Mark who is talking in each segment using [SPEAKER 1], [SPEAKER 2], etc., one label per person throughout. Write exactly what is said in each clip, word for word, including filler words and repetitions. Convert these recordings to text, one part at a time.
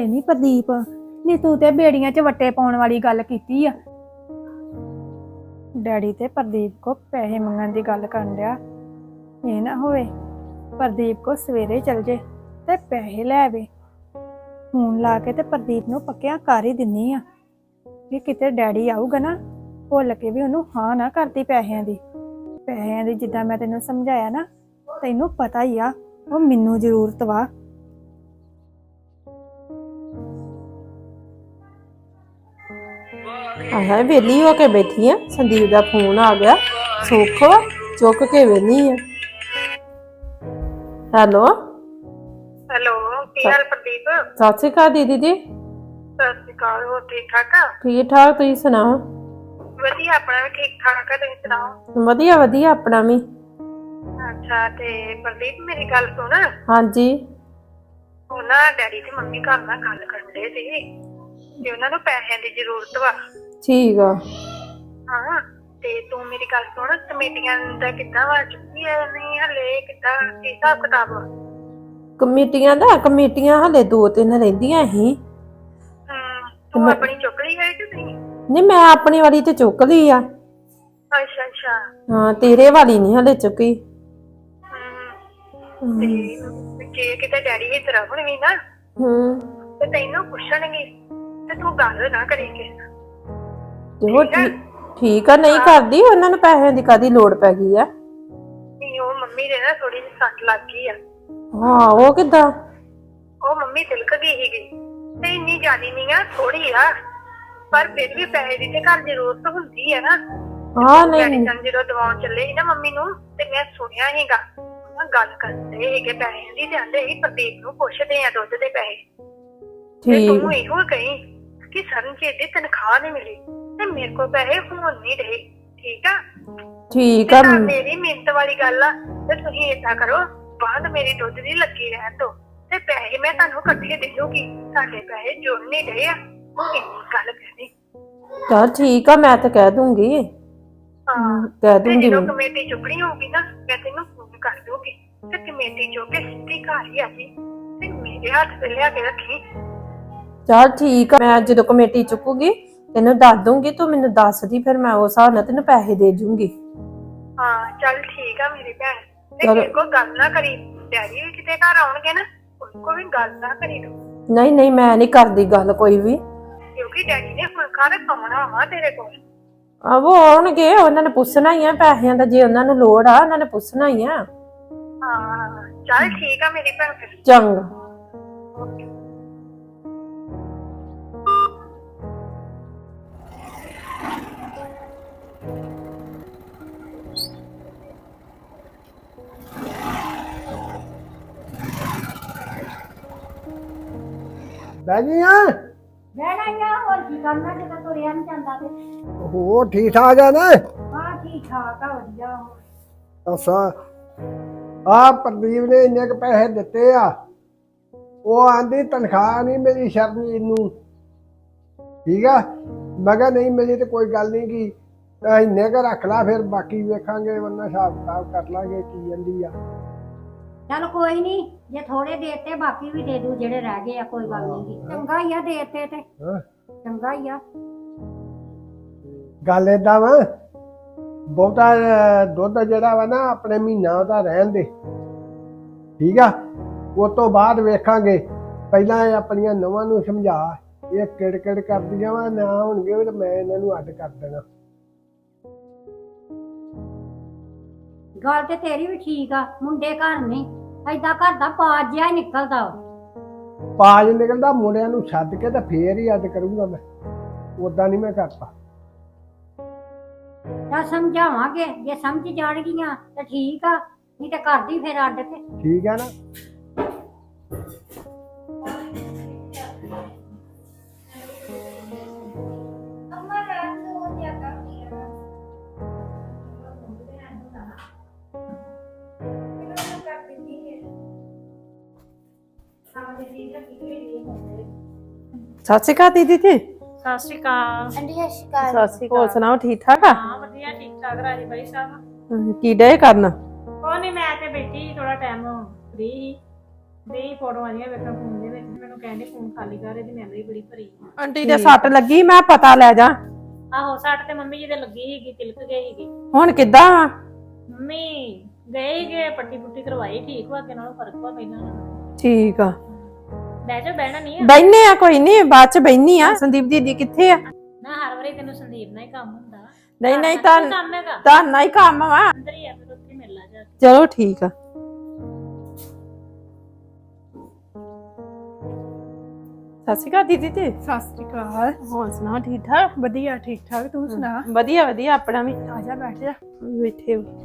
[SPEAKER 1] ਹਾਏ ਨੀ ਪ੍ਰਦੀਪ ਨੀ ਤੂੰ ਤੇ ਬੇੜੀਆਂ 'ਚ ਵੱਟੇ ਪਾਉਣ ਵਾਲੀ ਗੱਲ ਕੀਤੀ ਆ। ਡੈਡੀ ਤੇ ਪ੍ਰਦੀਪ ਕੋ ਪੈਸੇ ਮੰਗਣ ਦੀ ਗੱਲ ਕਰਨ ਡਿਆ। ਇਹ ਨਾ ਹੋਵੇ ਪ੍ਰਦੀਪ ਕੋ ਸਵੇਰੇ ਚਲ ਜੇ ਤੇ ਪੈਸੇ ਲੈ ਆਵੇ। ਫੋਨ ਲਾ ਕੇ ਤੇ ਪ੍ਰਦੀਪ ਨੂੰ ਪੱਕਿਆਂ ਕਰ ਹੀ ਦਿੰਨੀ ਆ ਕਿ ਕਿਤੇ ਡੈਡੀ ਆਊਗਾ ਨਾ ਭੁੱਲ ਕੇ ਵੀ ਉਹਨੂੰ ਹਾਂ ਨਾ ਕਰਦੀ ਪੈਸਿਆਂ ਦੀ। ਪੈਸਿਆਂ ਦੀ ਜਿੱਦਾਂ ਮੈਂ ਤੈਨੂੰ ਸਮਝਾਇਆ ਨਾ ਤੈਨੂੰ ਪਤਾ ਹੀ ਆ ਉਹ ਮੈਨੂੰ ਜ਼ਰੂਰਤ ਵਾ।
[SPEAKER 2] ਆਹ ਵੇਲੀ ਹੋ ਕੇ ਬੈਠੀ ਆ। ਸੰਦੀਪ ਦਾ ਫੋਨ ਆ ਗਿਆ। ਸੁੱਖ ਵਾ ਚੁੱਕ ਕੇ ਵੇਲੀ ਆ। ਹੈਲੋ
[SPEAKER 3] ਹੈਲੋ ਕੀ ਹਾਲ ਪ੍ਰਦੀਪ?
[SPEAKER 2] ਸਤਿ ਸ਼੍ਰੀ ਅਕਾਲ ਦੀਦੀ ਜੀ।
[SPEAKER 3] ਸਤਿ ਸ਼੍ਰੀ ਅਕਾਲ। ਹੋਰ ਠੀਕ ਠਾਕ ਆ?
[SPEAKER 2] ਠੀਕ ਠਾਕ ਤੁਸੀਂ ਸੁਣਾਓ?
[SPEAKER 3] ਵਧੀਆ ਆਪਣਾ ਵੀ ਠੀਕ ਠਾਕ ਆ। ਤੁਸੀਂ ਸੁਣਾਓ?
[SPEAKER 2] ਵਧੀਆ ਵਧੀਆ ਆਪਣਾ ਵੀ।
[SPEAKER 3] ਅੱਛਾ ਤੇ ਪ੍ਰਦੀਪ ਮੇਰੀ ਗੱਲ ਸੁਣ।
[SPEAKER 2] ਹਾਂਜੀ
[SPEAKER 3] ਉਹ ਨਾ ਡੈਡੀ ਤੇ ਮੰਮੀ ਘਰ ਨਾਲ ਗੱਲ ਕਰਨ ਦੇ ਸੀ ਤੇ ਉਹਨਾਂ ਨੂੰ ਪੈਸਿਆਂ ਦੀ ਜ਼ਰੂਰਤ ਵਾ।
[SPEAKER 2] ਠੀਕ ਆ।
[SPEAKER 3] ਹਾਂ ਤੇ ਤੂੰ ਮੇਰੀ ਗੱਲ ਸੁਣ ਕਮੇਟੀਆਂ ਦਾ ਕਿੱਦਾਂ ਵਾ ਚੁੱਕੀ ਐ ਨਹੀਂ ਹਲੇ ਕਿੱਦਾਂ ਕੀ ਹਿਸਾਬ ਕਿਤਾਬ ਵਾ?
[SPEAKER 2] ਕਮੇਟੀਆਂ ਦਾ ਕਮੇਟੀਆਂ ਹਲੇ ਦੋ ਤਿੰਨ ਰਹਿੰਦੀਆਂ ਸੀ।
[SPEAKER 3] ਹਮ ਤੂੰ ਆਪਣੀ ਚੁੱਕ ਲਈ ਹੈ ਕਿ ਨਹੀਂ?
[SPEAKER 2] ਨਹੀਂ ਮੈਂ ਆਪਣੀ ਵਾਲੀ ਤੇ ਚੁੱਕ ਲਈ ਆ।
[SPEAKER 3] ਅੱਛਾ ਅੱਛਾ।
[SPEAKER 2] ਹਾਂ ਤੇਰੇ ਵਾਲੀ ਨਹੀਂ ਹਲੇ ਚੁੱਕੀ।
[SPEAKER 3] ਹਮ ਤੇ ਜੇ ਕਿਤੇ ਡੈਡੀ ਇਸ ਤਰ੍ਹਾਂ ਹੁਣ ਵੀ ਨਾ
[SPEAKER 2] ਹਮ
[SPEAKER 3] ਤੇ ਤੈਨੂੰ ਪੁੱਛਣਗੇ ਤੇ ਤੂੰ ਗੱਲ ਨਾ ਕਰੀ ਕਿਸੇ ਨਾਲ।
[SPEAKER 2] ਤੇ ਉਹ ਠੀਕ ਆ ਨਹੀਂ ਕਰਦੀ। ਉਹਨਾਂ ਨੂੰ ਪੈਸਿਆਂ ਦੀ ਕਾਹਦੀ ਲੋੜ ਪੈ ਗਈ ਆ?
[SPEAKER 3] ਨਹੀਂ ਉਹ ਮੰਮੀ ਦੇ ਨਾ ਥੋੜੀ ਜਿਹੀ ਸੱਟ ਲੱਗ ਗਈ ਆ।
[SPEAKER 2] ਹਾਂ ਉਹ ਕਿੱਦਾਂ?
[SPEAKER 3] ਉਹ ਮੰਮੀ ਤਿਲਕ ਗਈ ਸੀਗੀ ਤੇ ਇੰਨੀ ਜ਼ਿਆਦੀ ਨਹੀਂ ਆ ਥੋੜੀ ਆ ਪਰ ਫਿਰ ਵੀ ਪੈਸੇ ਦੀ ਤੇ ਘਰ ਜ਼ਰੂਰਤ ਹੁੰਦੀ ਹੈ ਨਾ।
[SPEAKER 2] ਹਾਂ ਨਹੀਂ
[SPEAKER 3] ਜਦੋਂ ਦਵਾਉਣ ਚੱਲੇ ਸੀ ਨਾ ਮੰਮੀ ਨੂੰ ਤੇ ਮੈਂ ਸੁਣਿਆ ਸੀਗਾ ਗੱਲ ਕਰਦੇ ਸੀਗੇ ਪੈਸਿਆਂ ਦੀ ਤੇ ਆਂਦੇ ਸੀ ਪ੍ਰਦੀਪ ਨੂੰ ਪੁੱਛਦੇ ਆ ਦੁੱਧ ਦੇ ਪੈਸੇ। ਤੇ ਤੂੰ ਇਹੋ ਕਹੀ ਕਿ ਸਰਨਜੀਤ ਦੀ ਤਨਖਾਹ ਨਹੀਂ ਮਿਲੀ ਤੇ ਮੇਰੇ ਕੋਲ ਪੈਸੇ ਹੁਣ ਨਹੀਂ ਰਹੇ। ਠੀਕ ਆ?
[SPEAKER 2] ਠੀਕ ਆ।
[SPEAKER 3] ਮੇਰੀ ਮਿਹਨਤ ਵਾਲੀ ਗੱਲ ਆ ਤੇ ਤੁਸੀਂ ਏਦਾਂ ਕਰੋ ਬਾਅਦ ਮੇਰੀ ਦੁੱਧ ਦੀ ਲੱਗੀ ਰਹਿਣ ਦੋ ਤੇ ਪੈਸੇ ਮੈਂ ਤੁਹਾਨੂੰ ਇਕੱਠੇ ਦੇ ਦੂੰਗੀ। ਤੁਹਾਡੇ ਪੈਸੇ ਜੁੜ ਨਹੀਂ ਰਹੇ ਆ ਉਹ ਇੰਨੀ ਗੱਲ ਕਹਿਣੀ।
[SPEAKER 2] ਚਲ ਠੀਕ ਆ ਮੈਂ ਤਾਂ ਕਹਿ ਦੂੰਗੀ।
[SPEAKER 3] ਹਾਂ
[SPEAKER 2] ਕਹਿ ਦੂੰਗੀ।
[SPEAKER 3] ਜਦੋਂ ਕਮੇਟੀ ਚੁੱਕਣੀ ਹੋਊਗੀ ਨਾ ਮੈਂ ਤੈਨੂੰ ਫੋਨ ਕਰ ਦੂੰਗੀ ਤੇ ਕਮੇਟੀ ਚੁੱਕ ਕੇ ਸਿੱਧੀ ਘਰ ਹੀ ਆ ਜੀ ਤੇ ਮੇਰੇ ਹੱਥ ਤੇ ਲਿਆ ਕੇ ਰੱਖੀ।
[SPEAKER 2] ਚਲ ਠੀਕ ਆ ਮੈਂ ਜਦੋਂ ਕਮੇਟੀ ਚੁੱਕੂਗੀ ਤੈਨੂੰ ਦੱਸ ਦੂੰਗੀ। ਤੂੰ ਮੈਨੂੰ ਦੱਸ ਦੀ ਫਿਰ ਮੈਂ ਉਸ ਹਿਸਾਬ ਨਾਲ ਤੈਨੂੰ ਪੈਸੇ ਦੇ ਜੂੰਗੀ।
[SPEAKER 3] ਹਾਂ ਚੱਲ ਠੀਕ ਆ ਮੇਰੀ ਭੈਣ ਤੇ ਕਿਸੇ ਕੋਲ ਗੱਲ ਨਾ ਕਰੀ। ਡੈਡੀ ਵੀ ਕਿਤੇ ਘਰ ਆਉਣਗੇ ਨਾ ਕੋਈ ਵੀ ਗੱਲ ਨਾ ਕਰੀ ਤੂੰ।
[SPEAKER 2] ਨਹੀਂ ਨਹੀਂ ਮੈਂ ਨਹੀਂ ਕਰਦੀ ਗੱਲ ਕੋਈ ਵੀ
[SPEAKER 3] ਕਿਉਂਕਿ ਡੈਡੀ ਨੇ ਫੁਲਕਾ ਰਖਾਉਣਾ ਵਾ ਤੇਰੇ ਕੋਲ।
[SPEAKER 2] ਆਹੋ ਆਉਣਗੇ ਉਹਨਾਂ ਨੇ ਪੁੱਛਣਾ ਹੀ ਆ ਪੈਸਿਆਂ ਦਾ। ਜੇ ਉਹਨਾਂ ਨੂੰ ਲੋੜ ਆ ਉਹਨਾਂ ਨੇ ਪੁੱਛਣਾ ਹੀ ਆ।
[SPEAKER 3] ਹਾਂ ਚੱਲ ਠੀਕ ਆ ਮੇਰੀ ਭੈਣ ਫਿਰ।
[SPEAKER 2] ਚੰਗਾ।
[SPEAKER 4] ਬੈਜੀਆਂ
[SPEAKER 1] ਬਹਿਣਾ ਹੀ ਆ। ਹੋਰ ਕੀ ਕਰਨਾ ਜਦੋਂ ਤੁਰਿਆ ਨਹੀਂ ਜਾਂਦਾ ਤੇ।
[SPEAKER 4] ਹੋਰ ਠੀਕ ਠਾਕ ਆ ਨਾ?
[SPEAKER 1] ਹਾਂ ਠੀਕ ਠਾਕ ਆ ਵਧੀਆ।
[SPEAKER 4] ਅੱਛਾ ਆ ਪ੍ਰਦੀਪ ਨੇ ਇੰਨੇ ਕੁ ਪੈਸੇ ਦਿੱਤੇ ਆ। ਉਹ ਆਂਦੀ ਤਨਖਾਹ ਨਹੀਂ ਮੇਰੀ ਸ਼ਰਨਜੀਤ ਨੂੰ। ਠੀਕ ਆ ਮੈਂ ਕਿਹਾ ਨਹੀਂ ਮੇਰੀ ਤੇ ਕੋਈ ਗੱਲ ਨਹੀਂ ਕੀ ਇੰਨੇ ਕੁ ਰੱਖ ਲਾ ਫਿਰ ਬਾਕੀ ਵੇਖਾਂਗੇ ਉਹਨਾਂ ਹਿਸਾਬ ਕਿਤਾਬ ਕਰ ਲਾਂਗੇ ਕੀ ਜਾਂਦੀ ਆ।
[SPEAKER 5] ਚਲ ਕੋਈ ਨਹੀਂ ਜੇ ਥੋੜੇ ਦੇਤੇ ਬਾਕੀ ਵੀ ਦੇ ਦੂ ਜਿਹੜੇ ਰਹਿ ਗਏ ਆ ਕੋਈ ਗੱਲ ਨਹੀਂ। ਚੰਗਾ ਹੀ ਆ ਦੇਤੇ ਤੇ ਚੰਗਾ ਹੀ ਆ।
[SPEAKER 4] ਗੱਲ ਏਦਾਂ ਵਾ ਬਹੁਤਾ ਦੁੱਧ ਜਿਹੜਾ ਵਾ ਨਾ ਆਪਣੇ ਮਹੀਨਾ ਉਹਦਾ ਰਹਿਣ ਦੇ। ਠੀਕ ਆ ਉਸ ਤੋਂ ਬਾਅਦ ਵੇਖਾਂਗੇ। ਪਹਿਲਾਂ ਇਹ ਆਪਣੀਆਂ ਨਵਾਂ ਨੂੰ ਸਮਝਾ ਇਹ ਕਿੜ ਕਿੜ ਕਰਦੀਆਂ ਵਾ ਨਾ ਹੋਣਗੇ ਤੇ ਮੈਂ ਇਹਨਾਂ ਨੂੰ ਅੱਡ ਕਰ ਦੇਣਾ।
[SPEAKER 5] ਗੱਲ ਤੇ ਤੇਰੀ ਵੀ ਠੀਕ ਆ ਮੁੰਡੇ ਘਰ ਨਹੀਂ ਏਦਾਂ ਘਰ ਦਾ ਪਾਜ ਜਿਹਾ ਨਿਕਲਦਾ।
[SPEAKER 4] ਪਾਜ ਨਿਕਲਦਾ ਮੁੰਡਿਆਂ ਨੂੰ ਛੱਡ ਕੇ ਤੇ ਫੇਰ ਹੀ ਅੱਡ ਕਰੂੰਗਾ ਮੈਂ। ਓਦਾਂ ਨਹੀਂ ਮੈਂ ਕਰਦਾ।
[SPEAKER 5] ਤਾਂ ਸਮਝਾਵਾਂਗੇ ਜੇ ਸਮਝ ਜਾਣਗੀਆਂ ਤਾਂ ਠੀਕ ਆ ਨਹੀਂ ਤੇ ਕਰਦੀ ਫਿਰ ਅੱਡ ਕੇ।
[SPEAKER 4] ਠੀਕ ਹੈ ਨਾ?
[SPEAKER 2] ਸਤਿ ਸ਼੍ਰੀ ਅਕਾਲ ਦੀਦੀ ਜੀ।
[SPEAKER 6] ਸਤਿ ਸ਼੍ਰੀ ਅਕਾਲ।
[SPEAKER 7] ਆਂਟੀ ਸਤਿ ਸ਼੍ਰੀ ਅਕਾਲ।
[SPEAKER 2] ਸਤਿ ਸ਼੍ਰੀ ਅਕਾਲ। ਹੋਰ ਸੁਣਾਓ ਠੀਕ ਠਾਕ ਆ?
[SPEAKER 6] ਹਾਂ ਵਧੀਆ ਠੀਕ ਠਾਕ ਰਾਜੀ ਬਾਈ ਸਾਹਿਬ।
[SPEAKER 2] ਕੀ ਡੇ ਕਰਨ?
[SPEAKER 6] ਕੋਈ ਨਹੀਂ ਮੈਂ ਤੇ ਬੈਠੀ ਥੋੜਾ ਟਾਈਮ ਫ੍ਰੀ ਸੀ ਦੇ ਫੋਟੋਆਂ ਆਈਆਂ ਵੇਖਣ ਫੋਨ ਦੇ ਵਿੱਚ ਮੈਨੂੰ ਕਹਿੰਦੇ ਫੋਨ ਖਾਲੀ ਕਰ ਇਹਦੀ ਮੈਮਰੀ ਬੜੀ ਭਰੀ ਆ।
[SPEAKER 2] ਆਂਟੀ ਦੇ ਸੱਟ ਲੱਗੀ ਮੈਂ ਪਤਾ ਲੈ ਜਾ।
[SPEAKER 6] ਆਹੋ ਸੱਟ ਤੇ ਮੰਮੀ ਜੀ ਦੇ ਲੱਗੀ ਸੀਗੀ ਤਿਲਕ ਗਈ ਸੀਗੀ।
[SPEAKER 2] ਹੁਣ ਕਿੱਦਾਂ ਵਾ?
[SPEAKER 6] ਮੰਮੀ ਗਏ ਸੀਗੇ ਪੱਟੀ ਪੁੱਟੀ ਕਰਵਾਈ ਠੀਕ ਵਾ ਅੱਗੇ ਨਾਲੋਂ ਫਰਕ ਵਾ ਪਹਿਲਾਂ ਨਾਲੋਂ।
[SPEAKER 2] ਠੀਕ ਆ
[SPEAKER 6] ਬਹਿ ਜਾ ਬਹਿਣਾ ਨਹੀਂ ਆ
[SPEAKER 2] ਬੈਨੇ ਆ ਕੋਈ ਨਹੀਂ ਬਾਅਦ ਚ ਬੈਨੀ ਆ। ਸੰਦੀਪ ਦੀਦੀ ਕਿੱਥੇ ਆ?
[SPEAKER 6] ਨਾ ਹਰ ਵਾਰੀ ਤੈਨੂੰ ਸੰਦੀਪ ਨਾਲ ਹੀ ਕੰਮ ਹੁੰਦਾ।
[SPEAKER 2] ਨਹੀਂ ਨਹੀਂ
[SPEAKER 6] ਤਾਂ
[SPEAKER 2] ਤਾਂ
[SPEAKER 6] ਕੰਮ ਹੈਗਾ
[SPEAKER 2] ਤਾਂ ਨਹੀਂ ਕੰਮ ਵਾ।
[SPEAKER 6] ਅੰਦਰ ਹੀ ਆ ਫਿਰ ਉੱਥੇ ਮਿਲ ਲਾ ਜਾ।
[SPEAKER 2] ਚਲੋ ਠੀਕ ਆ। ਸਤਿ ਸ਼੍ਰੀ ਅਕਾਲ ਦੀਦੀ ਤੇ
[SPEAKER 1] ਸਤਿ ਸ੍ਰੀ ਅਕਾਲ।
[SPEAKER 2] ਹੋਰ ਸੁਣਾ ਠੀਕ ਠਾਕ?
[SPEAKER 1] ਵਧੀਆ ਠੀਕ ਠਾਕ ਤੂੰ ਸੁਣਾ।
[SPEAKER 2] ਵਧੀਆ ਵਧੀਆ ਆਪਣਾ ਵੀ।
[SPEAKER 1] ਆ ਜਾ ਬੈਠ ਜਾ।
[SPEAKER 2] ਬੈਠੇ ਹੋ।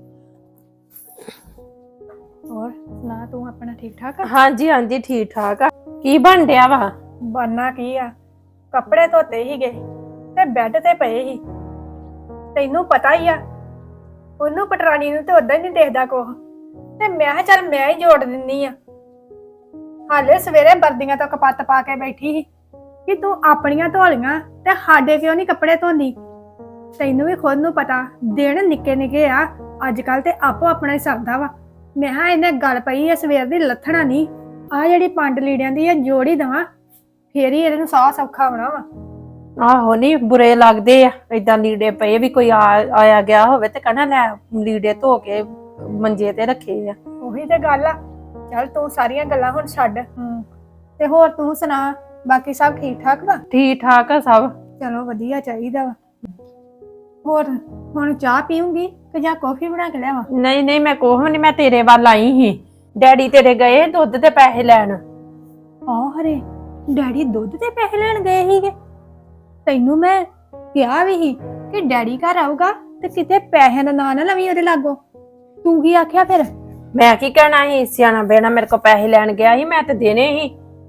[SPEAKER 1] ਹੋਰ ਸੁਣਾ ਤੂੰ ਆਪਣਾ ਠੀਕ ਠਾਕ ਆ?
[SPEAKER 2] ਹਾਂਜੀ ਹਾਂਜੀ ਠੀਕ ਠਾਕ ਆ। ਕੀ ਬਣ ਡਿਆ ਵਾ?
[SPEAKER 1] ਬਣਨਾ ਕੀ ਆ, ਕੱਪੜੇ ਧੋਤੇ ਹੀਗੇ ਤੇ ਬੈੱਡ ਤੇ ਪਏ ਸੀ। ਤੈਨੂੰ ਪਤਾ ਹੀ ਆ ਉਹਨੂੰ ਪਟਰਾਣੀ ਨੂੰ ਤੇ ਉਦਾਂ ਹੀ ਨਹੀਂ ਦੇਖਦਾ ਕੁਛ, ਤੇ ਮੈਂ ਕਿਹਾ ਚੱਲ ਮੈਂ ਹੀ ਜੋੜ ਦਿੰਨੀ ਆ। ਹਾਲੇ ਸਵੇਰੇ ਵਰਦੀਆਂ ਤੋਂ ਕਪੱਤ ਪਾ ਕੇ ਬੈਠੀ ਸੀ ਕਿ ਤੂੰ ਆਪਣੀਆਂ ਧੋਲੀਆਂ ਤੇ ਸਾਡੇ ਕਿਉਂ ਨਹੀਂ ਕੱਪੜੇ ਧੋਂਦੀ। ਤੈਨੂੰ ਵੀ ਖੁਦ ਨੂੰ ਪਤਾ ਦਿਨ ਨਿੱਕੇ ਨਿੱਕੇ ਆ ਅੱਜ ਕੱਲ ਤੇ ਆਪੋ ਆਪਣਾ ਹੀ ਸਰਦਾ ਵਾ। ਮੈਂ ਕਿਹਾ ਇਹਨੇ ਗੱਲ ਪਈ ਆ ਸਵੇਰ ਦੀ ਲੱਥਣਾ ਨਹੀਂ। ਆ ਜਿਹੜੀ ਪੰਡ ਲੀੜਿਆਂ ਦੀ ਆ ਜੋੜ ਹੀ ਦਵਾਂ ਫੇਰ ਹੀ ਇਹਨੂੰ ਸਾਹ ਸੌਖਾ ਹੋਣਾ ਵਾ।
[SPEAKER 2] ਆਹੋ ਨਹੀਂ ਬੁਰੇ ਲੱਗਦੇ ਆ ਏਦਾਂ ਲੀੜੇ ਪਏ ਵੀ ਕੋਈ ਆ- ਆਇਆ ਗਿਆ ਹੋਵੇ ਤੇ ਕਹਿਣਾ ਲੈ ਲੀੜੇ ਧੋ ਕੇ ਮੰਜੇ ਤੇ ਰੱਖੇ ਆ।
[SPEAKER 1] ਉਹੀ ਤੇ ਗੱਲ ਆ। ਚੱਲ ਤੂੰ ਸਾਰੀਆਂ ਗੱਲਾਂ ਹੁਣ ਛੱਡ। ਹੂੰ ਤੇ ਹੋਰ ਤੂੰ ਸੁਣਾ ਬਾਕੀ ਸਭ ਠੀਕ ਠਾਕ ਵਾ?
[SPEAKER 2] ਠੀਕ ਠਾਕ ਆ ਸਭ।
[SPEAKER 1] ਚਲੋ ਵਧੀਆ ਚਾਹੀਦਾ ਵਾ। ਹੋਰ ਹੁਣ ਚਾਹ ਪੀਉਂਗੀ ਕਿ ਜਾਂ ਕੌਫੀ ਬਣਾ ਕੇ ਲਿਆਵਾਂ?
[SPEAKER 2] ਨਹੀਂ ਨਹੀਂ ਮੈਂ ਕੋਹ ਨਹੀਂ ਮੈਂ ਤੇਰੇ ਵੱਲ ਆਈ ਸੀ। ਡੈਡੀ ਤੇਰੇ ਗਏ ਦੁੱਧ ਦੇ ਪੈਸੇ ਲੈਣ।
[SPEAKER 1] ਆਹ ਹਰੇ ਡੈਡੀ ਦੁੱਧ ਦੇ ਪੈਸੇ ਲੈਣ ਗਏ ਸੀਗੇ। ਤੈਨੂੰ ਮੈਂ ਕਿਹਾ ਵੀ ਸੀ ਕਿ ਡੈਡੀ ਘਰ ਆਊਗਾ ਤੇ ਕਿਤੇ ਪੈਸਿਆਂ ਦਾ ਨਾਂ ਨਾ ਲਵੀਂ ਉਹਦੇ ਲਾਗੋਂ। ਤੂੰ ਕੀ ਆਖਿਆ ਫਿਰ?
[SPEAKER 2] ਮੈਂ ਕੀ ਕਹਿਣਾ ਸੀ ਸਿਆਣਾ ਬੇਣਾ ਮੇਰੇ ਕੋਲ ਪੈਸੇ ਲੈਣ ਗਿਆ ਸੀ ਮੈਂ ਤੇ ਦੇਣੇ ਸੀ।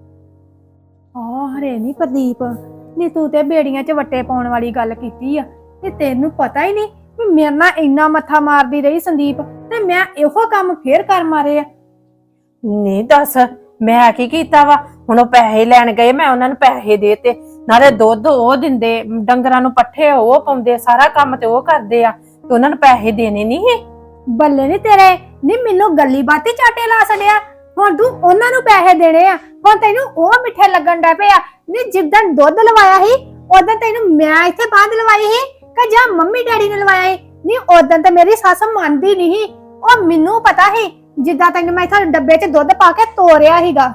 [SPEAKER 1] ਆਹ ਹਰੇ ਨਹੀਂ ਪ੍ਰਦੀਪ ਨੀ ਤੂੰ ਤੇ ਬੇੜੀਆਂ 'ਚ ਵੱਟੇ ਪਾਉਣ ਵਾਲੀ ਗੱਲ ਕੀਤੀ ਆ। ਤੇ ਤੈਨੂੰ ਪਤਾ ਹੀ ਨਹੀਂ ਵੀ ਮੇਰੇ ਨਾਲ ਇੰਨਾ ਮੱਥਾ ਮਾਰਦੀ ਰਹੀ ਸੰਦੀਪ ਤੇ ਮੈਂ ਇਹੋ ਕੰਮ ਫੇਰ ਕਰ ਮਾਰੇ ਆ।
[SPEAKER 2] ਨਹੀਂ ਦੱਸ ਮੈਂ ਕੀ ਕੀਤਾ ਵਾ? ਹੁਣ ਉਹ ਪੈਸੇ ਲੈਣ ਗਏ ਮੈਂ ਉਹਨਾਂ ਨੂੰ ਪੈਸੇ ਦੇਤੇ ਨਾਲੇ ਦੁੱਧ ਉਹ ਦਿੰਦੇ ਡੰਗਰਾਂ ਨੂੰ ਪੱਠੇ ਉਹ ਪਾਉਂਦੇ ਸਾਰਾ ਕੰਮ ਤੇ ਉਹ ਕਰਦੇ ਆ ਤੇ ਉਹਨਾਂ ਨੂੰ ਪੈਸੇ ਦੇਣੇ ਨਹੀਂ।
[SPEAKER 1] ਬੱਲੇ ਨੀ ਤੇਰੇ ਨੀ ਮੈਨੂੰ ਗੱਲੀ ਬਾਤੀ ਚਾਟੇ ਲਾ ਛੜਿਆ। ਹੁਣ ਤੂੰ ਉਹਨਾਂ ਨੂੰ ਪੈਸੇ ਦੇਣੇ ਆ। ਹੁਣ ਤੈਨੂੰ ਉਹ ਮਿੱਠੇ ਲੱਗਣ ਡਾ ਪਿਆ। ਨੀ ਜਿੱਦਣ ਦੁੱਧ ਲਵਾਇਆ ਸੀ ਉਦੋਂ ਤੈਨੂੰ ਮੈਂ ਇੱਥੇ ਬਾਂਧ ਲਵਾਈ ਸੀ ਕਿ ਜਾਂ ਮੰਮੀ ਡੈਡੀ ਨੇ ਲਵਾਇਆ ਸੀ? ਨੀ ਉਦੋਂ ਤਾਂ ਮੇਰੀ ਸੱਸ ਮੰਨਦੀ ਨਹੀਂ। ਉਹ ਮੈਨੂੰ ਪਤਾ ਸੀ ਜਿੱਦਾਂ ਤੈਨੂੰ ਮੈਂ ਇੱਥੇ ਡੱਬੇ 'ਚ ਦੁੱਧ ਪਾ ਕੇ ਤੋਰਿਆ ਸੀਗਾ।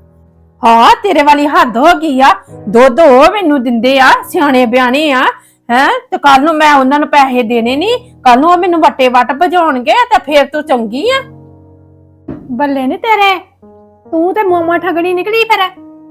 [SPEAKER 2] ਹਾਂ ਤੇਰੇ ਵਾਲੀ ਹੱਦ ਹੋ ਗਈ ਆ। ਦੁੱਧ ਉਹ ਮੈਨੂੰ ਦਿੰਦੇ ਆ ਸਿਆਣੇ ਬਿਆਣੇ ਆ ਹੈ ਤੇ ਕੱਲ ਨੂੰ ਮੈਂ ਉਹਨਾਂ ਨੂੰ ਪੈਸੇ ਦੇਣੇ ਨਹੀਂ। ਕੱਲ ਨੂੰ ਉਹ ਮੈਨੂੰ ਵੱਟੇ ਵੱਟ ਭਜਾਉਣਗੇ ਤੇ ਫੇਰ ਤੂੰ ਚੰਗੀ ਆ।
[SPEAKER 1] ਬੱਲੇ ਨੀ ਤੇਰੇ ਤੂੰ ਤੇ ਮੋਮਾ ਠਗਣੀ ਨਿਕਲੀ ਫਿਰ।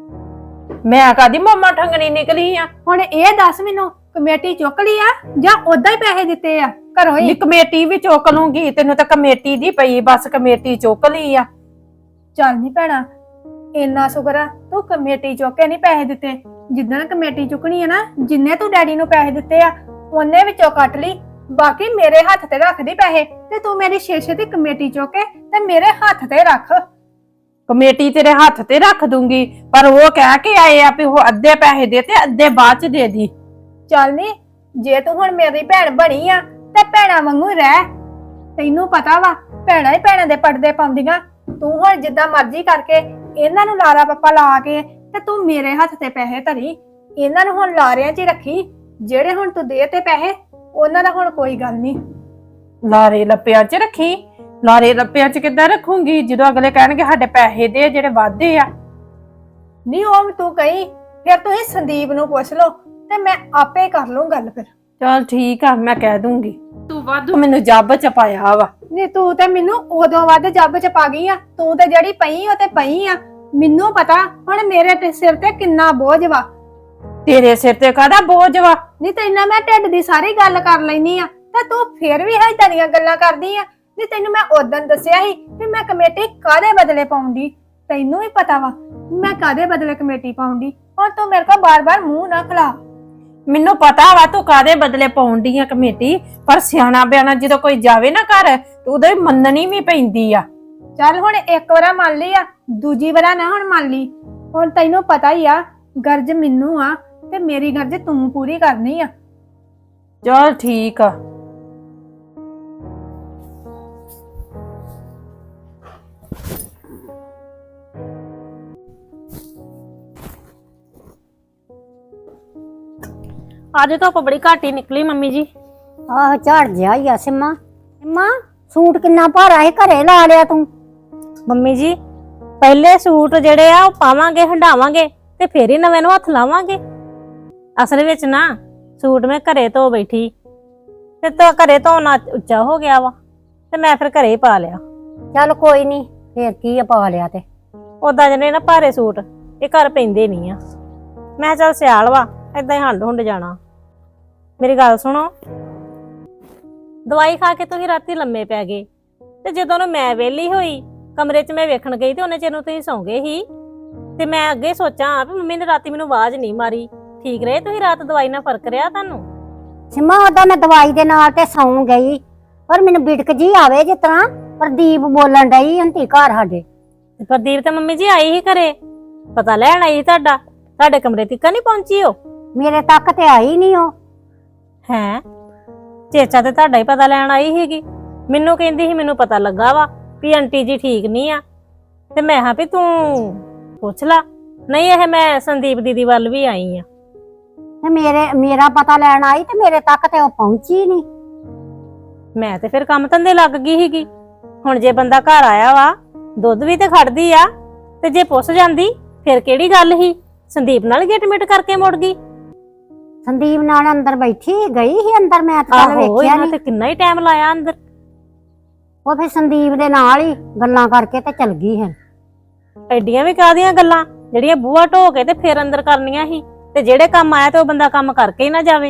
[SPEAKER 2] ਮੈਂ ਕਾਦੀ ਮਾਮਾ ਠੰਗਣੀ ਨਿਕਲੀ ਆ?
[SPEAKER 1] ਹੁਣ ਇਹ ਦੱਸ ਮੈਨੂੰ ਕਮੇਟੀ ਚੁੱਕ ਲਈ ਆ ਜਾਂ ਉਦਾਂ ਹੀ ਪੈਸੇ ਦਿੱਤੇ ਆ ਘਰੋਂ ਹੀ?
[SPEAKER 2] ਨੀ ਕਮੇਟੀ ਵੀ ਚੁੱਕ ਲੂੰਗੀ ਤੈਨੂੰ ਤਾਂ ਕਮੇਟੀ ਦੀ ਪਈ ਬਸ ਕਮੇਟੀ ਚੁੱਕ ਲਈ ਆ।
[SPEAKER 1] ਚੱਲ ਨੀ ਭੈਣਾ ਇੰਨਾ ਸ਼ੁਕਰ ਆ ਤੂੰ ਕਮੇਟੀ ਚੁੱਕ ਕੇ ਨਹੀਂ ਪੈਸੇ ਦਿੱਤੇ। ਜਿੱਦਣ ਕਮੇਟੀ ਚੁੱਕਣੀ ਆ ਨਾ ਜਿੰਨੇ ਤੂੰ ਡੈਡੀ ਨੂੰ ਪੈਸੇ ਦਿੱਤੇ ਆ ਉਹਨੇ ਵਿੱਚੋਂ ਕੱਟ ਲਈ ਬਾਕੀ ਮੇਰੇ ਹੱਥ ਤੇ ਰੱਖ ਦੀ ਪੈਸੇ ਤੇ ਤੂੰ ਮੇਰੀ ਸ਼ੀਸ਼ੇ ਦੀ ਕਮੇਟੀ ਚੁੱਕ ਕੇ ਤੇ ਮੇਰੇ ਹੱਥ ਤੇ ਰੱਖ।
[SPEAKER 2] ਕਮੇਟੀ ਤੇਰੇ ਹੱਥ ਤੇ ਰੱਖ ਦੂੰਗੀ ਪਰ ਉਹ ਕਹਿ ਕੇ ਆਏ ਆ ਵੀ ਉਹ ਅੱਧੇ ਪੈਸੇ ਦੇ ਤੇ ਅੱਧੇ ਬਾਅਦ ਚ ਦੇ ਦੀ।
[SPEAKER 1] ਚੱਲ ਨੀ ਜੇ ਤੂੰ ਹੁਣ ਮੇਰੀ ਭੈਣ ਬਣੀ ਆ ਤੇ ਭੈਣਾ ਵਾਂਗੂ ਰਹਿ। ਤੈਨੂੰ ਪਤਾ ਵਾ ਭੈਣਾ ਹੀ ਭੈਣਾਂ ਦੇ ਪਰਦੇ ਪਾਉਂਦੀਆਂ। ਤੂੰ ਹੁਣ ਜਿੱਦਾਂ ਮਰਜ਼ੀ ਕਰਕੇ ਇਹਨਾਂ ਨੂੰ ਲਾਰਾ ਪੱਪਾ ਲਾ ਕੇ ਤੇ ਤੂੰ ਮੇਰੇ ਹੱਥ ਤੇ ਪੈਸੇ ਧਰੀ। ਇਹਨਾਂ ਨੂੰ ਹੁਣ ਲਾਰਿਆਂ 'ਚ ਹੀ ਰੱਖੀ। ਜਿਹੜੇ ਹੁਣ ਤੂੰ ਦੇ ਤੇ ਪੈਸੇ ਉਹਨਾਂ ਦਾ ਹੁਣ ਕੋਈ ਗੱਲ ਨਹੀਂ।
[SPEAKER 2] ਲਾਰੇ ਲੱਪਿਆਂ ਚ ਰੱਖੀ? ਲਾਰੇ ਲੱਪਿਆਂ ਚ ਕਿੱਦਾਂ ਰੱਖੂੰਗੀ ਜਦੋਂ ਅਗਲੇ ਕਹਿਣਗੇ ਸਾਡੇ ਪੈਸੇ ਦੇ ਜਿਹੜੇ ਵਾਧੇ ਆ।
[SPEAKER 1] ਨਹੀਂ ਉਹ ਤੂੰ ਕਹੀਂ ਫਿਰ ਤੁਸੀਂ ਸੰਦੀਪ ਨੂੰ ਪੁੱਛ ਲਓ ਤੇ ਮੈਂ ਆਪੇ ਕਰ ਲੂੰ ਗੱਲ ਫਿਰ।
[SPEAKER 2] ਚਲ ਠੀਕ ਆ ਮੈਂ ਕਹਿ ਦੂੰਗੀ। ਤੂੰ ਵਾਧੂ ਮੈਨੂੰ ਜੱਬ ਚ ਪਾਇਆ ਵਾ।
[SPEAKER 1] ਨਹੀਂ ਤੂੰ ਤੇ ਮੈਨੂੰ ਉਦੋਂ ਵੱਧ ਜੱਬ ਚ ਪਾ ਗਈ ਆ। ਤੂੰ ਤੇ ਜਿਹੜੀ ਪਈ ਉਹ ਤੇ ਪਈ ਆ। ਮੈਨੂੰ ਪਤਾ ਹੁਣ ਮੇਰੇ ਤੇ ਸਿਰ ਤੇ ਕਿੰਨਾ ਬੋਝ ਵਾ।
[SPEAKER 2] ਤੇਰੇ ਸਿਰ ਤੇ ਕਾਹਦਾ ਬੋਝ ਵਾ?
[SPEAKER 1] ਨਹੀਂ ਤੈਨਾਂ ਮੈਂ ਢਿੱਡ ਦੀ ਸਾਰੀ ਗੱਲ ਕਰ ਲੈਣੀ ਆ ਤੇ ਤੂੰ ਫਿਰ ਵੀ ਏਦਾਂ ਦੀਆਂ ਗੱਲਾਂ ਕਰਦੀ ਆ। ਨਹੀਂ ਤੈਨੂੰ ਮੈਂ ਉਦੋਂ ਦੱਸਿਆ ਸੀ ਵੀ ਮੈਂ ਕਮੇਟੀ ਕਾਹਦੇ ਬਦਲੇ ਪਾਉਂਦੀ। ਤੈਨੂੰ ਵੀ ਪਤਾ ਵਾ ਮੈਂ ਕਾਹਦੇ ਬਦਲੇ ਕਮੇਟੀ ਪਾਉਂਦੀ। ਹੁਣ ਤੂੰ ਮੇਰੇ ਕੋਲ ਬਾਰ-ਬਾਰ ਮੂੰਹ ਨਾ ਖਲਾ।
[SPEAKER 2] ਮੈਨੂੰ ਪਤਾ ਵਾ ਤੂੰ ਕਾਹਦੇ ਬਦਲੇ ਪਾਉਂਦੀ ਆ ਕਮੇਟੀ ਪਰ ਸਿਆਣਾ ਬਿਆਣਾ ਜਦੋਂ ਕੋਈ ਜਾਵੇ ਨਾ ਘਰ ਤੇ ਉਦੋਂ ਹੀ ਮੰਨਣੀ ਵੀ ਪੈਂਦੀ ਆ।
[SPEAKER 1] ਚੱਲ ਹੁਣ ਇੱਕ ਵਾਰ ਮੰਨ ਲਈ ਆ ਦੂਜੀ ਵਾਰ ਨਾ ਹੁਣ ਮੰਨ ਲਈ। ਹੁਣ ਤੈਨੂੰ ਪਤਾ ਹੀ ਆ ਗਰਜ ਮੈਨੂੰ ਆ ਤੇ ਮੇਰੀ ਗਰਜ ਤੂੰ ਪੂਰੀ ਕਰਨੀ ਆ।
[SPEAKER 2] ਚਲ ਠੀਕ ਆ।
[SPEAKER 6] ਅੱਜ ਧੁੱਪ ਬੜੀ ਘੱਟ ਹੀ ਨਿਕਲੀ ਮੰਮੀ ਜੀ।
[SPEAKER 5] ਆਹ ਝੜ ਜਿਹਾ ਹੀ ਆ ਸਿੰਮਾ। ਸਿੰਮਾ ਸੂਟ ਕਿੰਨਾ ਭਾਰਾ ਹੈ, ਘਰੇ ਲਾ ਲਿਆ ਤੂੰ।
[SPEAKER 6] ਮੰਮੀ ਜੀ ਪਹਿਲੇ ਸੂਟ ਜਿਹੜੇ ਆ ਉਹ ਪਾਵਾਂਗੇ ਹੰਡਾਵਾਂਗੇ ਤੇ ਫੇਰ ਹੀ ਨਵੇਂ ਨੂੰ ਹੱਥ ਲਾਵਾਂਗੇ। ਅਸਲ ਵਿੱਚ ਨਾ ਸੂਟ ਮੈਂ ਘਰੇ ਧੋ ਬੈਠੀ ਤੇ ਤਾਂ ਘਰੇ ਧੋਣਾ ਉੱਚਾ ਹੋ ਗਿਆ ਵਾ ਤੇ ਮੈਂ ਫਿਰ ਘਰੇ ਹੀ ਪਾ ਲਿਆ।
[SPEAKER 5] ਚੱਲ ਕੋਈ ਨਹੀਂ, ਫੇਰ ਕੀ ਆ ਪਾ ਲਿਆ ਤੇ।
[SPEAKER 6] ਉਦਾਂ ਜਿਹੜੇ ਨਾ ਭਾਰੇ ਸੂਟ ਇਹ ਘਰ ਪੈਂਦੇ ਨਹੀਂ ਆ। ਮੈਂ ਕਿਹਾ ਚੱਲ ਸਿਆਲ ਵਾ ਏਦਾਂ ਹੀ ਹੰਡ ਹੁੰਡ ਜਾਣਾ। ਮੇਰੀ ਗੱਲ ਸੁਣੋ, ਦਵਾਈ ਖਾ ਕੇ ਤੁਸੀਂ ਰਾਤੀ ਲੰਮੇ ਪੈ ਗਏ ਤੇ ਜਦੋਂ ਨੂੰ ਮੈਂ ਵਿਹਲੀ ਹੋਈ ਕਮਰੇ 'ਚ ਮੈਂ ਵੇਖਣ ਗਈ ਤੇ ਉਹਨੇ ਚਿਰ ਨੂੰ ਤੁਸੀਂ ਸੌਂ ਗਏ ਸੀ ਤੇ ਮੈਂ ਅੱਗੇ ਸੋਚਾਂ ਵੀ ਮੰਮੀ ਨੇ ਰਾਤੀ ਮੈਨੂੰ ਆਵਾਜ਼ ਨਹੀਂ ਮਾਰੀ। ਠੀਕ ਰਹੇ ਤੁਸੀਂ ਰਾਤ? ਦਵਾਈ ਨਾਲ ਫਰਕ ਰਿਹਾ ਤੁਹਾਨੂੰ?
[SPEAKER 5] ਸਿੰਮਾ ਉਹਦਾ ਮੈਂ ਦਵਾਈ ਦੇ ਨਾਲ ਤੇ ਸੌਂ ਗਈ, ਪਰ ਮੈਨੂੰ ਬਿਟਕ ਜੀ ਆਵੇ ਜਿਸ ਤਰ੍ਹਾਂ ਪ੍ਰਦੀਪ ਬੋਲਣ ਡਈ ਹੁੰਦੀ ਘਰ ਸਾਡੇ।
[SPEAKER 6] ਪ੍ਰਦੀਪ ਤੇ ਮੰਮੀ ਜੀ ਆਈ ਹੀ ਘਰੇ, ਪਤਾ ਲੈਣ ਆਈ ਸੀ ਤੁਹਾਡਾ। ਤੁਹਾਡੇ ਕਮਰੇ ਤੱਕ ਨਹੀਂ ਪਹੁੰਚੀ ਉਹ?
[SPEAKER 5] ਮੇਰੇ ਤੱਕ ਤੇ ਆਈ ਨਹੀਂ ਉਹ।
[SPEAKER 6] ਹੈ ਚੇਚਾ ਤੇ ਤੁਹਾਡਾ ਹੀ ਪਤਾ ਲੈਣ ਆਈ ਸੀਗੀ। ਮੈਨੂੰ ਕਹਿੰਦੀ ਸੀ ਮੈਨੂੰ ਪਤਾ ਲੱਗਾ ਵਾ ਵੀ ਆਂਟੀ ਜੀ ਠੀਕ ਨਹੀਂ ਆ ਤੇ ਮੈਂ ਹਾਂ ਵੀ ਤੂੰ ਪੁੱਛ ਲਾ। ਨਹੀਂ ਇਹ ਮੈਂ ਸੰਦੀਪ ਦੀਦੀ ਵੱਲ ਵੀ ਆਈ ਆ।
[SPEAKER 5] ਤੇ ਮੇਰੇ ਮੇਰਾ ਪਤਾ ਲੈਣ ਆਈ ਤੇ ਮੇਰੇ ਤੱਕ ਤੇ ਉਹ ਪਹੁੰਚੀ ਨਹੀਂ।
[SPEAKER 6] ਮੈਂ ਤੇ ਫਿਰ ਕੰਮ ਧੰਦੇ ਲੱਗ ਗਈ ਸੀਗੀ। ਹੁਣ ਜੇ ਬੰਦਾ ਘਰ ਆਇਆ ਵਾ ਦੁੱਧ ਵੀ ਤੇ ਖੜਦੀ ਆ ਤੇ ਜੇ ਪੁੱਛ ਜਾਂਦੀ ਫਿਰ ਕਿਹੜੀ ਗੱਲ ਸੀ? ਸੰਦੀਪ ਨਾਲ ਗਿੱਟ ਮਿੱਟ ਕਰਕੇ ਮੁੜ ਗਈ।
[SPEAKER 5] ਸੰਦੀਪ ਨਾਲ ਅੰਦਰ ਬੈਠੀ ਗਈ ਸੀ ਅੰਦਰ, ਮੈਂ ਤਾਂ ਕੱਲ
[SPEAKER 6] ਆਹੋ
[SPEAKER 5] ਵੇਖਿਆ
[SPEAKER 6] ਇਹਨਾਂ
[SPEAKER 5] ਨਹੀਂ।
[SPEAKER 6] ਤੇ ਕਿੰਨਾ ਹੀ ਟਾਈਮ ਲਾਇਆ ਅੰਦਰ।
[SPEAKER 5] ਉਹ ਫਿਰ ਸੰਦੀਪ ਦੇ ਨਾਲ ਹੀ ਗੱਲਾਂ ਕਰਕੇ ਤੇ ਚਲ ਗਈ ਹੈ।
[SPEAKER 6] ਐਡੀਆਂ ਵੀ ਕਾਹਦੀਆਂ ਗੱਲਾਂ ਜਿਹੜੀਆਂ ਬੂਹਾ ਢੋ ਕੇ ਤੇ ਫਿਰ ਅੰਦਰ ਕਰਨੀਆਂ ਸੀ? ਤੇ ਜਿਹੜੇ ਕੰਮ ਆਇਆ ਤੇ ਉਹ ਬੰਦਾ ਕੰਮ ਕਰਕੇ ਹੀ ਨਾ ਜਾਵੇ।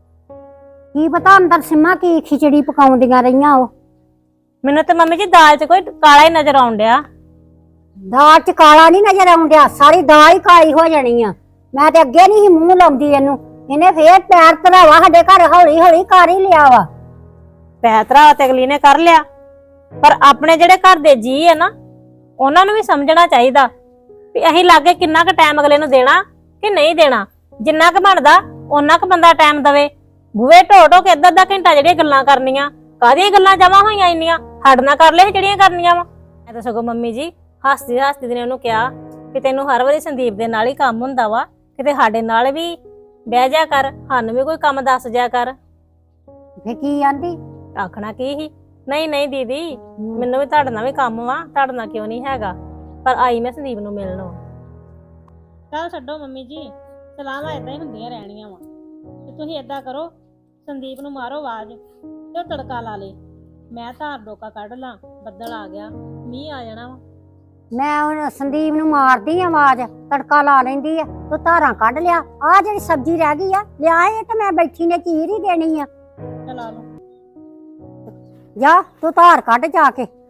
[SPEAKER 5] ਕੀ ਪਤਾ ਅੰਦਰ ਸਿੰਮਾ ਕੀ ਖਿਚੜੀ ਪਕਾਉਂਦੀਆਂ ਰਹੀਆਂ ਉਹ।
[SPEAKER 6] ਮੈਨੂੰ ਤੇ ਮੰਮੀ ਜੀ ਦਾਲ 'ਚ ਕੋਈ ਕਾਲਾ ਹੀ ਨਜ਼ਰ ਆਉਣ ਡਿਆ।
[SPEAKER 5] ਦਾਲ ਚ ਕਾਲਾ ਨਹੀਂ ਨਜ਼ਰ ਆਉਂਦਿਆ, ਸਾਰੀ ਦਾਲ ਹੀ ਕਾਲੀ ਹੋ ਜਾਣੀ ਆ। ਮੈਂ ਤੇ ਅੱਗੇ ਨਹੀਂ ਸੀ ਮੂੰਹ ਲਾਉਂਦੀ ਇਹਨੂੰ, ਇਹਨੇ ਫੇਰ ਪੈਰ ਧਰਾਵਾ ਸਾਡੇ ਘਰ ਹੌਲੀ ਹੌਲੀ ਕਰ ਹੀ ਲਿਆ ਵਾ।
[SPEAKER 6] ਪੈਤਰਾ ਤੇ ਅਗਲੀ ਨੇ ਕਰ ਲਿਆ, ਪਰ ਆਪਣੇ ਜਿਹੜੇ ਘਰ ਦੇ ਜੀ ਆ ਨਾ ਉਹਨਾਂ ਨੂੰ ਵੀ ਸਮਝਣਾ ਚਾਹੀਦਾ ਵੀ ਅਸੀਂ ਲਾਗੇ ਕਿੰਨਾ ਕੁ ਟਾਈਮ ਅਗਲੇ ਨੂੰ ਦੇਣਾ ਕਿ ਨਹੀਂ ਦੇਣਾ। ਜਿੰਨਾ ਕੁ ਬਣਦਾ ਉਹਨਾਂ ਕੁ ਬੰਦਾ ਟਾਈਮ ਦਵੇ। ਬੂਹੇ ਢੋ ਢੋ ਕੇ ਅੱਧਾ ਅੱਧਾ ਘੰਟਾ ਜਿਹੜੀਆਂ ਗੱਲਾਂ ਕਰਨੀਆਂ, ਕਾਹਦੀਆਂ ਗੱਲਾਂ ਜਮਾ ਹੋਈਆਂ ਇੰਨੀਆਂ? ਹੱਡ ਨਾ ਕਰ ਲੈ ਜਿਹੜੀਆਂ ਕਰਨੀਆਂ ਵਾ। ਮੈਂ ਤਾਂ ਸਗੋਂ ਮੰਮੀ ਜੀ ਹੱਸਦੀ ਹੱਸਦੀ ਨੇ ਉਹਨੂੰ ਕਿਹਾ ਕਿ ਤੈਨੂੰ ਹਰ ਵਾਰੀ ਸੰਦੀਪ ਦੇ ਨਾਲ ਹੀ ਕੰਮ ਹੁੰਦਾ ਵਾ, ਕਿਤੇ ਸਾਡੇ ਨਾਲ ਵੀ ਬਹਿ ਜਾ ਕਰ, ਸਾਨੂੰ ਵੀ ਕੋਈ ਕੰਮ ਦੱਸ ਜਾ ਕਰ।
[SPEAKER 5] ਫੇ ਕੀ ਆਂਦੀ?
[SPEAKER 6] ਆਖਣਾ ਕੀ ਸੀ? ਨਹੀਂ ਨਹੀਂ ਦੀਦੀ ਮੈਨੂੰ ਵੀ ਤੁਹਾਡੇ ਨਾਲ ਵੀ ਕੰਮ ਵਾ, ਤੁਹਾਡੇ ਨਾਲ ਕਿਉਂ ਨਹੀਂ ਹੈਗਾ, ਪਰ ਆਈ ਮੈਂ ਸੰਦੀਪ ਨੂੰ ਮਿਲਣ ਵਾ। ਚੱਲ ਛੱਡੋ ਮੰਮੀ ਜੀ, ਸਲਾਹਾਂ ਏਦਾਂ ਹੀ ਹੁੰਦੀਆਂ ਰਹਿਣੀਆਂ ਵਾ। ਤੇ ਤੁਸੀਂ ਏਦਾਂ ਕਰੋ, ਸੰਦੀਪ ਨੂੰ ਮਾਰੋ ਆਵਾਜ਼ ਤੇ ਉਹ ਤੜਕਾ ਲਾ ਲੇ। ਮੈਂ ਧਾਰ ਡੋਕਾ ਕੱਢ ਲਾਂ, ਬੱਦਲ ਆ ਗਿਆ, ਮੀਂਹ ਆ ਜਾਣਾ ਵਾ।
[SPEAKER 5] ਮੈਂ ਹੁਣ ਸੰਦੀਪ ਨੂੰ ਮਾਰਦੀ ਆ ਆਵਾਜ਼, ਤੜਕਾ ਲਾ ਲੈਂਦੀ ਆ। ਤੂੰ ਧਾਰਾਂ ਕੱਢ ਲਿਆ, ਆਹ ਜਿਹੜੀ ਸਬਜ਼ੀ ਰਹਿ ਗਈ ਆ ਲਿਆ, ਇਹ ਤੇ ਮੈਂ ਬੈਠੀ ਨੇ ਚੀਰ ਹੀ ਦੇਣੀ ਆ।
[SPEAKER 6] ਚਲ ਆ ਲਓ।
[SPEAKER 5] ਜਾ ਤੂੰ ਧਾਰ ਕੱਢ ਜਾ ਕੇ।